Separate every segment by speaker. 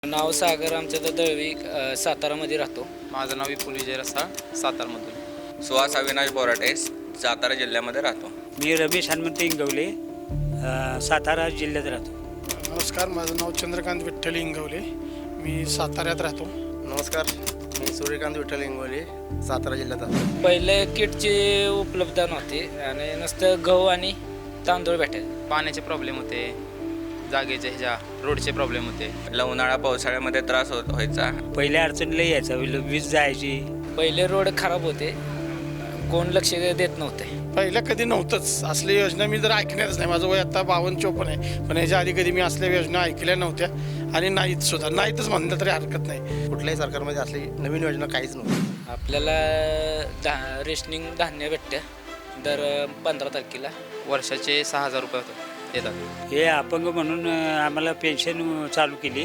Speaker 1: नाव सागर आमचं तर दळवी सातारामध्ये राहतो.
Speaker 2: माझं नाव विपुल विजय रसाळ सातारमधून.
Speaker 3: सुहास अविनाश बोराटे सातारा जिल्ह्यामध्ये राहतो.
Speaker 4: मी रमेश हनुमंत इंगवले सातारा जिल्ह्यात राहतो.
Speaker 5: नमस्कार, माझं नाव चंद्रकांत विठ्ठल इंगवले, मी साताऱ्यात राहतो.
Speaker 6: नमस्कार, मी सूर्यकांत विठ्ठल इंगवले सातारा जिल्ह्यात राहतो.
Speaker 1: पहिले किटची उपलब्धता नव्हती आणि नुसतं गहू आणि तांदूळ भेटायचे.
Speaker 2: पाण्याचे प्रॉब्लेम होते, जागेचे रोडचे प्रॉब्लेम होते.
Speaker 3: उन्हाळा पावसाळ्यामध्ये त्रास व्हायचा.
Speaker 4: पहिल्या अडचणीला यायचा, वीज जायची.
Speaker 1: पहिले रोड खराब होते, कोण लक्ष देत नव्हते.
Speaker 5: पहिल्या कधी नव्हतंच असल्या योजना, मी जर ऐकणारच नाही. माझं वय आता 52-54 आहे, पण ह्याच्या आधी कधी मी असल्या योजना ऐकल्या नव्हत्या आणि नाहीत सुद्धा. नाहीतच म्हणलं तरी हरकत नाही.
Speaker 6: कुठल्याही सरकारमध्ये असली नवीन योजना काहीच नव्हती.
Speaker 1: आपल्याला रेशनिंग धान्य भेटतं दर 15 तारखेला.
Speaker 2: वर्षाचे 6,000 रुपये येतात.
Speaker 4: हे अपंग म्हणून आम्हाला पेन्शन चालू केली.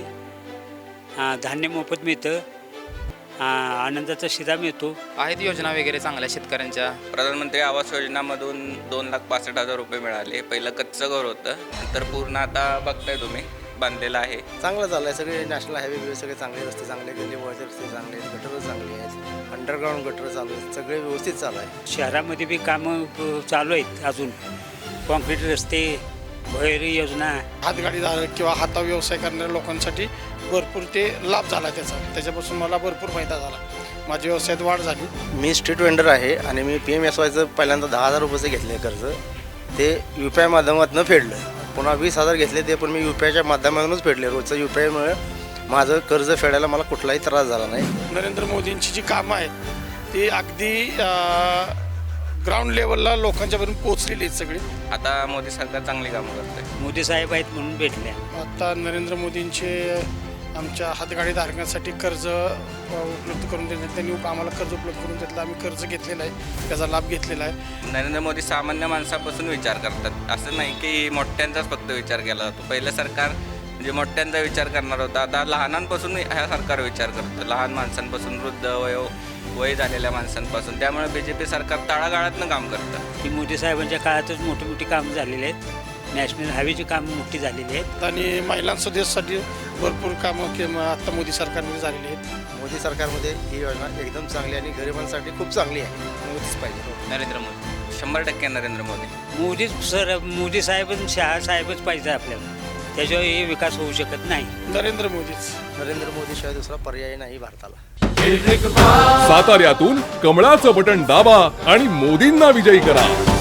Speaker 4: धान्य मोफत मिळतं, आनंदाचा शिधा मिळतो.
Speaker 2: आहेत योजना वगैरे चांगल्या शेतकऱ्यांच्या.
Speaker 3: प्रधानमंत्री आवास योजनामधून 2,65,000 रुपये मिळाले. पहिलं कच्चं घर होतं, नंतर पूर्ण आता बघताय तुम्ही बांधलेलं आहे.
Speaker 6: चांगलं चाललं आहे. सगळे नॅशनल हायवे सगळे चांगले रस्ते चांगले, गल्ली बोळचे रस्ते चांगले आहेत, गटरं चांगली आहेत, अंडरग्राऊंड गटर चालू आहेत, सगळे व्यवस्थित चालू आहे.
Speaker 4: शहरामध्ये बी कामं चालू आहेत. अजून कॉन्क्रीट रस्ते, भुयारी योजना.
Speaker 5: हातगाडीधारक किंवा हाता व्यवसाय करणाऱ्या लोकांसाठी भरपूर ते लाभ झाला त्याच्यापासून मला भरपूर फायदा झाला. माझ्या व्यवसायात वाढ झाली.
Speaker 6: मी स्ट्रीट वेंडर आहे आणि मी PMSYचं पहिल्यांदा 10,000 रुपये घेतले कर्ज. ते UPI माध्यमातून फेडलं. पुन्हा 20,000 घेतले, ते पण मी UPIच्या माध्यमातूनच फेडले. रोजचं UPIमुळे माझं कर्ज फेडायला मला कुठलाही त्रास झाला नाही.
Speaker 5: नरेंद्र मोदींची जी कामं आहेत ती अगदी ग्राउंड लेवलला लोकांच्यापर्यंत पोहोचलेली आहेत सगळी.
Speaker 3: आता मोदी सरकार चांगली कामं करतंय.
Speaker 4: मोदी साहेब आहेत म्हणून भेटल्या.
Speaker 5: आता नरेंद्र मोदींचे आमच्या हातगाडीधारकांसाठी कर्ज उपलब्ध करून देण्यात, त्यांनी आम्हाला कर्ज उपलब्ध करून देतलं. आम्ही कर्ज घेतलेलं आहे, त्याचा लाभ घेतलेला आहे.
Speaker 3: नरेंद्र मोदी सामान्य माणसापासून विचार करतात. असं नाही की मोठ्यांचाच फक्त विचार केला जातो. पहिलं सरकार म्हणजे मोठ्यांचा विचार करणार होता. आता लहानांपासून ह्या सरकार विचार करतं, लहान माणसांपासून वृद्ध वय झालेल्या माणसांपासून. त्यामुळे BJP सरकार तळागाळातनं काम करतं.
Speaker 4: की मोदी साहेबांच्या काळातच मोठी मोठी कामं झालेली आहेत. नॅशनल हायवेची कामं मोठी झालेली आहेत.
Speaker 5: आणि महिलांसाठी भरपूर कामं आता मोदी सरकारमध्ये झालेली आहेत.
Speaker 6: मोदी सरकारमध्ये ही योजना एकदम चांगली आणि गरिबांसाठी खूप चांगली आहे. मोदीच पाहिजे.
Speaker 2: नरेंद्र मोदी
Speaker 3: 100% नरेंद्र मोदी.
Speaker 4: मोदी साहेब शहा साहेबच पाहिजे आपल्याला. त्याशिवाय हे विकास होऊ शकत नाही.
Speaker 5: नरेंद्र मोदीच.
Speaker 6: नरेंद्र मोदीशिवाय दुसरा पर्याय नाही भारताला.
Speaker 7: साताऱ्यातून कमळाचं बटन दाबा आणि मोदींना विजयी करा.